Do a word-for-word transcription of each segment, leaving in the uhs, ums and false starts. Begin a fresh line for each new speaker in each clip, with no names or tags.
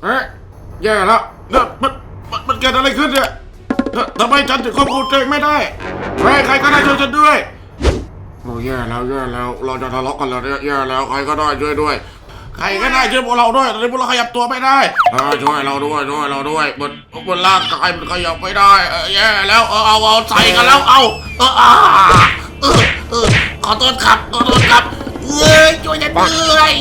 เอ๊ะแย่แล้วเนี่ยมันมันมันเกิดอะไรขึ้นเนี่ยทำไมฉันถึงควบคุมตัวเองไม่ได้เฮ้ยใครก็ได้ช่วยฉันด้วยโอ้แย่แล้วแย่แล้วเราจะทะเลาะกันแล้วเนี่ยแย่แล้วใครก็ได้ช่วยด้วยใครก็ได้ช่วยพวกเราด้วยตอนนี้พวกเราขยับตัวไม่ได้ช่วยเราด้วยช่วยเราด้วยบนบนร่างกายมันขยับไม่ได้แย่แล้วเออเอาเอาใส่กันแล้วเอาเอออ่าเออเออขอโทษครับขอโทษครับเอ้ยช่วยฉันด้วย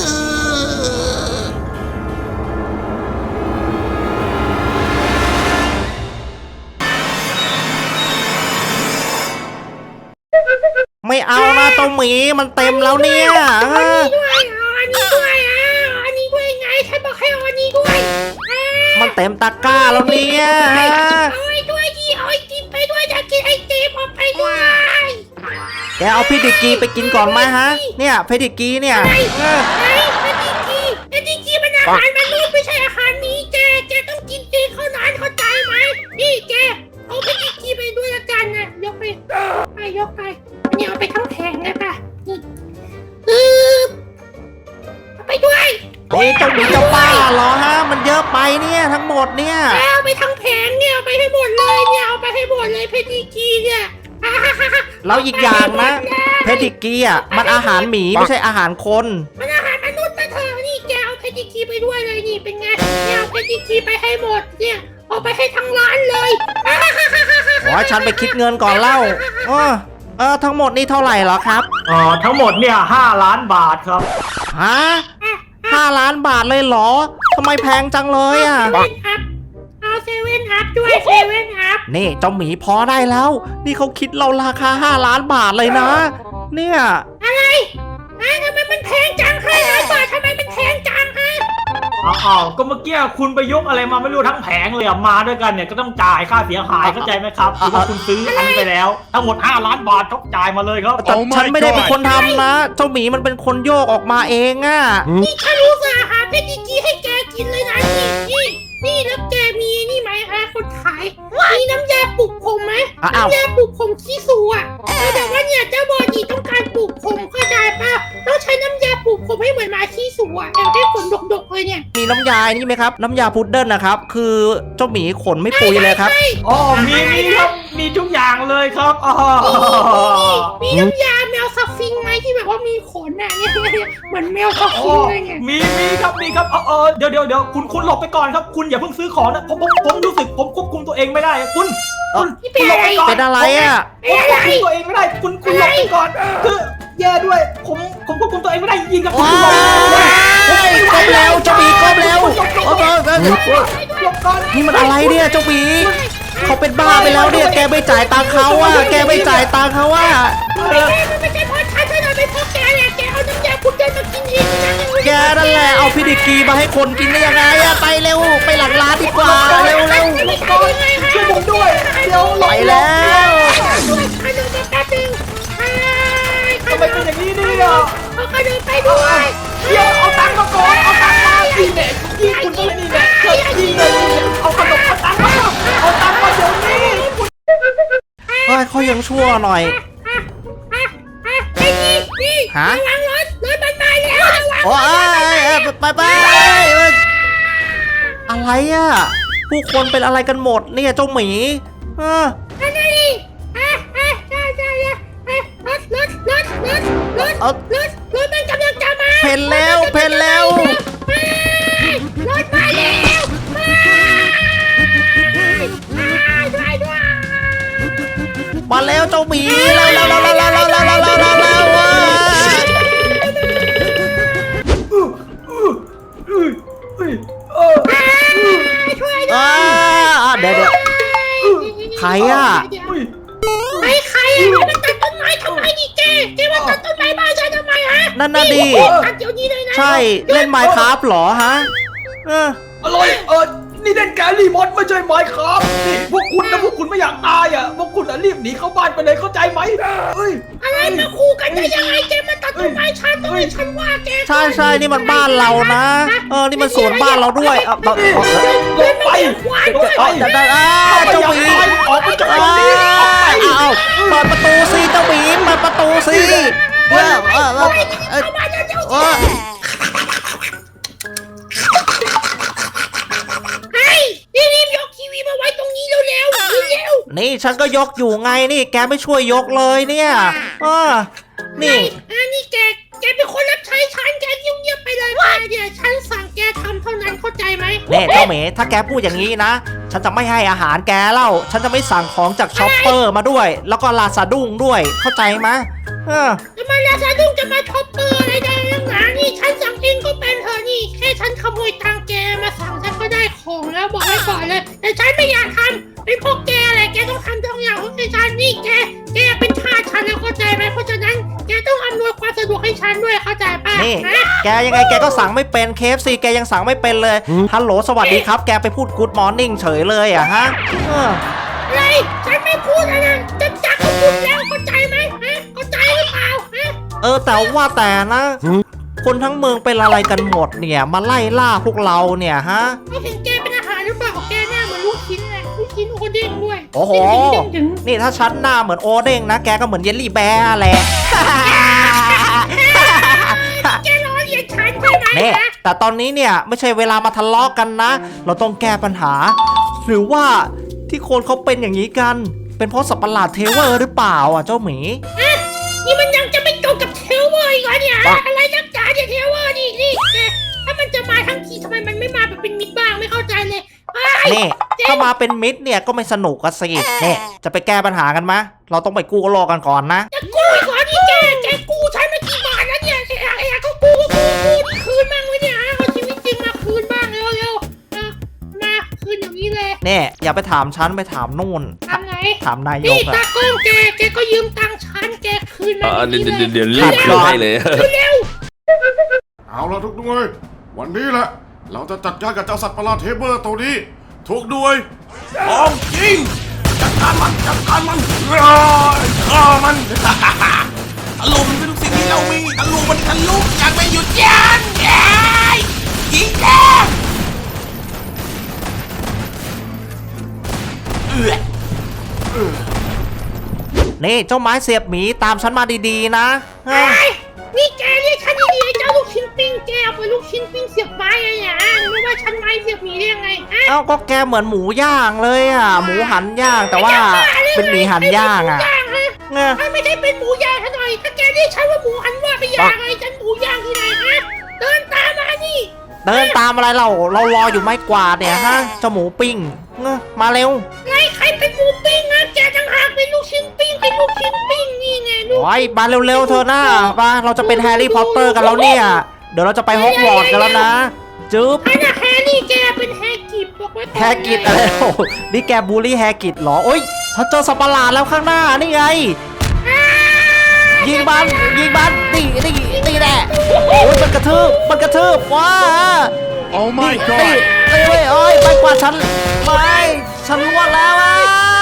ไม่เอานะเจ้าหมีมันเต็มแล้วเนี่ย
อันนี้ด้วยอันนี้ด้วยอันนี้ด้วยไงฉันบอกให้อันนี้ด้วย
มันเต็มตะกร้าแล้วเนี่ย
เอาไอ้ด้วยดิเอาไอติมไปด้วยจะกินไอติมเอาไปด้วย
แกเอาเพดิกีไปกินก่อนไหมฮะเนี่ยเพดิกีเนี่ย
ไอ้ไอ้เพดิกีเพดิกีมันอาหารมันรู้ไม่ใช่อาหารนี้แกแกต้องกินเองเท่านั้นเข้าใจไหมนี่แกเอาเพดิกีไปด้วยละกันนะยกไปไปยกไปนี่เอาไปทั้งแผงเลยป่ะนี่อือเอาไปด้วย
เฮ้ยเจ้าหมีจะบ้าเหรอฮะมันเยอะไปเนี่ยทั้งหมดเนี่ย
เอาไปทั้งแผงเนี่ยเอาไปให้หมดเลยเนี่ยเอาไปให้หมดเลยเพดิกีเนี่ย
แล้วอีกอย่างนะเพดิกีอ่ะมันอาหารหมีไม่ใช่อาหารคน
มันอาหารมนุษย์นะเธอนี่แกเอาเพดิกีไปด้วยเลยนี่เป็นไงเนี่ยเอาเพดิกีไปให้หมดเนี่ยเอาไปให้ทั้งร้านเลย
โอ้ยฉันไปคิดเงินก่อนเล่าเออเออทั้งหมดนี่เท่าไหร่เหรอครับ
อ๋อทั้งหมดเนี่ยห้าล้านบาทครับ
ฮะห้าล้านบาทเลยเหรอทำไมแพงจังเลยอ่ะ
เอาเซเว่นอัพด้วยเซเว่นอัพ
นี่เจ้าหมีพอได้แล้วนี่เขาคิดเราราคาห้าล้านบาทเลยนะเนี่ย
อะไรไอ้ทำไมมันแพงจังห้าล้านบาททำไมมันแพงจังฮะ
อ้าวก็เมื่อกี้คุณไปยกอะไรมาไม่รู้ทั้งแผงเลยอ่ะมาด้วยกันเนี่ยก็ต้องจ่ายค่าเสียหายเข้าใจไหมครับคือว่าคุณซื้ออันนี้ไปแล้วทั้งหมดห้าล้านบาทต้องจ่ายมาเลยครับ
แต่ฉันไม่ได้เป็นคนทำนะเจ้าหมีมันเป็นคนโยกออกมาเองอ่ะ
นี่ฉันรู้สาหาเพดิกีให้แกกินเลยนะนี่นี่นี่แล้วแกมีนี่ไหมฮะคนขายมีน้ำยาปลุกผมไหมน้ำยาปลุกผมขี้สูอ่ะแต่ว่าเนี่ยเจ้าบอดี้ต้องการปลุกผมเข้าใจป่ะต้องใช้น้ำยาปลุกผมให้เหมือนหมาขี้สูอ่ะแต่ให้ขนดกๆเลยเนี่ย
มีน้ำยานี่ไหมครับน้ำยาพุดเดิ้ลนะครับคือเจ้าหมีขนไม่ปุยเลยครับ
อ๋อมีมีครับมีทุกอย่างเลยครับอ๋อ
มีน้ำยาแมวซัฟฟิงไหมที่แบบว่ามีขนอ่ะเนี่ยเหมือนแมวซัฟฟิงเลยไง
มีมีครับมีครับเออเดี๋ยวเดี๋ยวเดี๋ยวคุณคุณหลบไปก่อนครับคุณอย่าเพิ่งซื้อของนะผมผมผมรู้สึกผมควบคุมตัวเองไม่ได้คุณคุณ
คุณหลบไปก่อน
เป็นอะไรอ่ะ
ผมควบคุมตัวเองไม่ได้คุณคุณหลบไปก่อนคือแย่ด้วยผมผมควบคุมตัวเองไม่ได้ยิงกับคุณ
ก้มแล้วเจ้าหมีก้มแล้วนี่มันอะไรเนี่ยเจ้าหมีเขาเป็นบ้าไปแล้วเนี่ยแกไม่จ่ายตังค์เขาอ่ะแกไม่จ่ายตังค์เขาอ่ะ
ไม่ใช่เพราะฉันไม่ได้เป็นเพราะแกแหละแกเอาน้ำยาพุดเดิ้ลมากินเอง
แกนั่นแหละเอาพิดิกีมาให้คนกินได้ยังไงอะไปเร็วไปหลังร้านดีกว่าเร็วเร็ว
ช่วยผมด้วยเดี๋ยว
ไปแล้ว
ทำไมเป็นอย่างนี้เนี่ย
เอาขนมไปด้วย
เดี๋ยวเอาตังค์มาก่อนเอาตังค์มายิงเนี่ยยิงคุณก็เลยนี่แหละเกิดยิงเลยเอาขนมเอาตังค์มาเอาตังค์มาเดี๋ยวนี้
เฮ้ยเขายังชั่วหน่อย
ฮะระวังรถรถมันมาแล้ว
โอ้ยไปไปอะไรอ่ะผู้คนเป็นอะไรกันหมดเนี่ยเจ้าหมีเออ
นั่นนี่อ่ะอ่ะใช่ใช่รถรถรถรถรถรถรถมันกำลังจะมา
เพนแล้วเพนแล้ว
รถมาแล้ว
มาแล้วเจ้าหมีแล้วแล้วแล้วแล้วแล้วแล้วแล้วแล้วแล้วเดี๋ยวเดี๋ยวใครอ่ะ
ไอ้ใครอ่ะมันตัดต้นไม้ทำไมนี่เจ๊เจ๊มาตัดต้นไม้บ้านฉันทำไมฮะ
นั่นน่ะดิใช่เล่นไมค์ครับหรอฮะเออ
อะไรเออนี่เล่นแกรี่มอสไม่ใช่ไมค์ครับนี่พวกคุณนะพวกคุณไม่อยากตายอ่ะพวกคุณอ่ะรีบหนีเข้าบ้านไปเลยเข้าใจไหมเฮ้ย
อะไรมาคู่กันได้ยังไงเจ๊มาตัดต้นไม้ฉันด้วยฉันว่าแก
ใช่ใช่นี่มันบ้านเรานะเออนี่มันสวนบ้านเราด้วยเออ
ลงไป
จะได้อ้าเจ้าหมี
ออกไปจากตรงนี้ออกไป
อ้าวเปิดประตูสิเจ้าหมีเปิดประตูสิเออเออเออนี่ฉันก็ยกอยู่ไงนี่แกไม่ช่วยยกเลยเนี่ยเออนี่
อ่านี่แกแกเป็นคนรับใช้ฉันแกเงียบๆไปเลยว่าเดี๋ยวฉันสั่งแกทำเท่านั้นเข้าใจไหม
เน่เจ้าเหมถ้าแกพูดอย่างนี้นะฉันจะไม่ให้อาหารแกเล่าฉันจะไม่สั่งของจากช็อปเปอร์มาด้วย แล้วก็ลาซาดุ้งด้วยเข้าใจไหมเออ
จะมาลาซาดุ้งจะมาช็อปเปอร์อะไรได้ยังไงนี่ฉันสั่งเองก็เป็นเธอนี่แค่ฉันขโมยตังแกมาสั่งฉันก็ได้ของแล้วบอกไว้ก่อนเลยแต่ฉันไม่อยากทำเป็นพวกแกอะไรแกต้องทำทุกอย่างให้ฉันนี่แกแกเป็นทาสฉันแล้วเข้าใจไหมเพราะฉะนั้นแกต้องอำนวยความสะดวกให้ฉันด้วยเข้าใจป่ะ
นี่แกยังไงแกก็สั่งไม่เป็น เค เอฟ ซี แกยังสั่งไม่เป็นเลยฮัลโหลสวัสดีครับแกไปพูดกู๊ดมอร์นิ่งเฉยเลยอะฮะเออ
อะไรฉันไม่พูดอะไรจะจักก็พูดแล้วเข้าใจไหมฮะเข้าใจหรือเปล่าฮะ
เออแต่ว่าแต่นะ คนทั้งเมืองเป็นอะไรกันหมดเนี่ยมาไล่ล่าพวกเราเนี่ยฮะ
เขาเห็นแกเป็นอาหารหรือเปล่าแกหน้าเหมือนลูกชิ้นเลยลูกชิ้นโอเด้งด้วย
โอ้โห
เด้งๆดึง
นี่ถ้าฉันหน้าเหมือนโอเด้งนะแกก็เหมือนเยลลี่แบร์แหละ
ๆแกล้อเลียนฉันใช่ไหม
เนี่ย
ฮะ
แต่ตอนนี้เนี่ยไม่ใช่เวลามาทะเลาะกันนะ เราต้องแก้ปัญหา หรือว่าที่คนเขาเป็นอย่างนี้กัน เป็นเพราะสัตว์ประหลาดเทเวอร์หรือเปล่าอ่ะเจ้าหมี
ฮะนี่มันยังจะไม่จบกับเทลเวอร์อีกเหรอเนี่ยฮะอะไรนักจ๋าเนี่ยเทลเวอร์นี่นี่แกถ้ามันจะมาทั้งทีทำไมมันไม่มาแบบเป็นมิตรบ้างไม่เข้าใจเลยไอ้
นี่ถ้ามาเป็นมิตรเนี่ยก็ไม่สนุกกันสิเนี่ยจะไปแก้ปัญหากันมะเราต้องไปกู้โลกกันก่อนนะ
จะกู้อีกเหรอนี่แกแกกู้ฉันมากี่บาทแล้วเนี่ยไอ้ไอ้ก็กู้ก็กู้กู้นี่คืนบ้างไว้เนี่ยฮะเอาชีวิตจริงมาคืนบ้างเร็วๆเอามาคืนอย่างนี้เลย
เนี่ยอย่าไปถามฉันไปถามนู่น
ทำไง
ถามนาย
นี่
กอะ
ตากล้องแกแกก็ยืมตังค์ฉันแกคืนมา
อ่า
อย่าง
เดี๋ยว
นี้
เดี๋ยว
เลย
เดี๋ยวรีบคืนให้เลย
เร็ว
เอาละทุกด้วยวันนี้แหละเราจะจัดการกับเจ้าสัตว์ประหลาดเทเบอร์ตัวนี้ทุกด้วยพร้อมยิงจัดการมันจัดการมันฆ่าฆ่ามัน
ตะลุมเป็นทุกสิ่งที่เรามีตะลุมมันทะลุอยากไปหยุดยันยายยิงแกเอือ
นี่เจ้าไม้เสียบหมีตามฉันมาดีๆนะ
ไอ้นี่แกเรียกฉันดีๆไอ้เจ้าลูกชิ้นปิ้งแกเอาไปลูกชิ้นปิ้งเสียบไม้ไงเนี่ยไม่ว่าฉันไม้เสียบหมีได้ยังไงฮะ
เอ้าก็แกเหมือนหมูย่างเลยอ่ะ หมูหันย่างแต่ว่าเป็นหมีหันย่างอ่ะ
หมูย่างฮะ
เนี่ย
ถ้าไม่ได้เป็นหมูย่างซะหน่อยถ้าแกเรียกฉันว่าหมูหันว่าไปย่างไงฉันหมูย่างที่ไหนฮะเดินตามมานี่
เดินตามอะไรเราเรารออยู่ไม่กวาดเนี่ยฮะเจ้าหมูปิ้งเงอะมาเร็ว
ไงใครเป็นหมูปิ้งนะแกต่างหากเป็นลูกชิ้นปิ้งเป็นลูกชิ้นปิ้งนี่ไงลูก
โอ้ยมาเร็วๆเธอหน้ามาเราจะเป็นแฮร์รี่พอตเตอร์กันแล้วเนี่ย เดี๋ยวเราจะไปฮอกวอตส์กันแล้วนะจึ๊บ
ไอ้น่ะแฮร์รี่แกเป็นแฮร์กิบบอกไว้ก่อน
แฮร์กิตอะไรโอ้โหนี่แกบูลลี่แฮร์กิตเหรอโอ้ยฉันเจอสัตว์ประหลาดแล้วข้างหน้านี่ไง
อ่า
ยิงมันยิงมันนี่นี่นี่แหละโอ้ยมันกระทืบมันกระทืบว้า
Oh
นี่
my
นี่
god
นี่เว้ยโอ้ยไปกว่าฉันไม่ฉันล่วงแล้วอ่ะ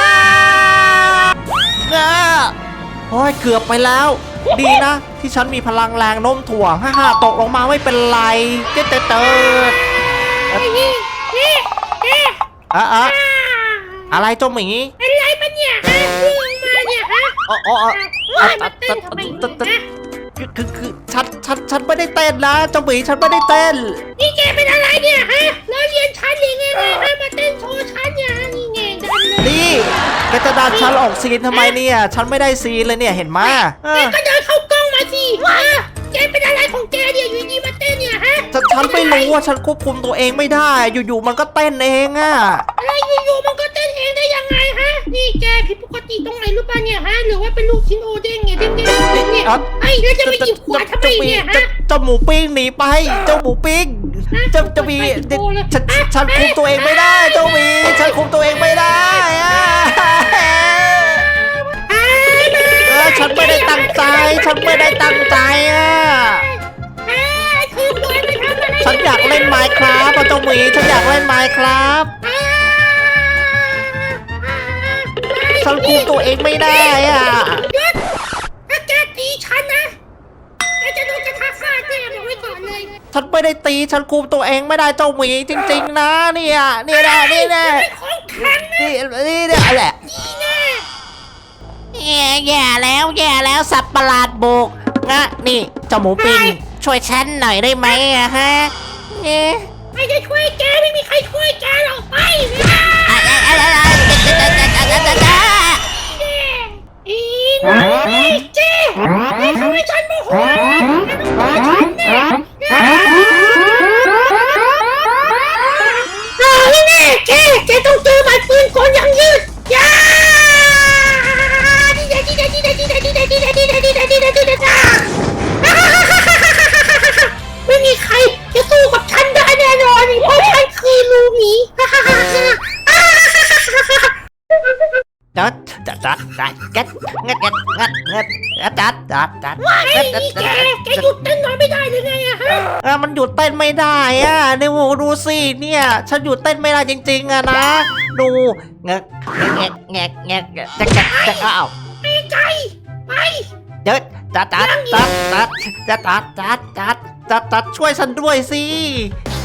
นะโอ้ยเกือบไปแล้ว ดีนะ ที่ฉันมีพลังแรงโน้มถ่วงฮ่าฮ่าตกลงมาไม่เป็นไรเจ๊เจ๊เจ๊
นี่นี่นี่
อะอะ
อ่า
อะไรเจ้าหมี
เป็นไรปะเนี่ยฮะเรื่องมาเนี่ยฮะ
อ๋ออ๋ออ๋อ
ว่ามาเต้นทำไมเนี่ยนะ
คือคือคือฉันฉันฉันไม่ได้เต้นนะเจ้าหมีฉันไม่ได้เต้น
นี่แกเป็นอะไรเนี่ยฮะแล้วเรียนชั้นยังไงฮะมาเต้นโชว์ชั้นเนี่ยฮะนี่ไงดันเลย
นี่แกจะดันฉันออกซีนทำไมเนี่ย ฉันไม่ได้ซีนเลยเนี่ยเห็นไหมเอ
แก
อ
ก็เดินเข้ากล้องมาสิว่าแกเป็นอะไรของแกเนี่ยอยู่ดีมาเต้นเนี่ยฮะ
ฉันฉันไม่รู้ว่าฉันควบคุมตัวเองไม่ได้ อยู่ๆมันก็เต้นเองอะ
อะไรอยู่ๆมันก็เต้นเองได้ยังไงฮะนี่แกผิดปกติตรงไหนรู้ป่ะเนี่ยฮะหรือว่าเป็นลูกชิ้นโอเด้งเนี่ยเด้งๆเนี่ยไอ้แล้วจะไปหยิบขวดทำไมเนี่ยฮะ
เจ้าหมูปิ้งหนีไป เจ้าหมูปิ้งเจ้าจะมีฉันฉันคุมตัวเองไม่ได้ เจ้าหมีฉันคุมตัวเองไม่ได้อะเออฉันไม่ได้ตั้งใจ ฉันไม่ได้ตั้งใจอ่ะ ฉันอยากเล่นไมค์ครับเจ้าหมีฉันอยากเล่นไมค์ครับ ฉันคุมตัวเองไม่ได้อ่ะ
หยุดถ้าแกตีฉันนะแกจะโดนกระทะฟาดแน่บอกไว้ก่อนเลย
ฉันไม่ได้ตี ฉันคุมตัวเองไม่ได้เจ้าหมีจริงๆนะเนี่ยนี่แหละนี่แหละ
เป็นของแข็งนะ
นี่นี่เนี่ยแหละ
นี่แน่
แย่แล้วแย่แล้วสัตว์ประหลาดบุกนะนี่เจ้าหมูปิ้งช่วยฉันหน่อยได้ไหมอะฮะเอ๊ะ
ไม่ได้ช่วยแกไม่มีใครช่วยแกหรอกไป
อะไรอะไรอะไร
แกต้องเจอหมัดปืนก่อนยังยืดยาดีเดดีเดดีเดดีเดดีเดดีเดดีเดดีเดดีเดดีเดไม่มีใครจะสู้กับฉันได้แน่นอนเพราะฉันคือลูหมี
จัดจัดจัดจัดจัดงัดงัดงัดงัดจัดจัดจัด
ไอ้นี่แกแกหยุดเต้นหน่อยไม่ได้หรือไงอะฮะ
อ่ะมันหยุดเต้นไม่ได้อ่ะนี่โหดูสิเนี่ยฉันหยุดเต้นไม่ได้จริงๆอะนะดูแงกแงกแงกแงกจัดจัดจัดอ้าว
ไปไกลไป
เดี๋ยวจัดจัดจัดจัดจัดจัดจัดจัดจัดจัดช่วยฉันด้วยสิ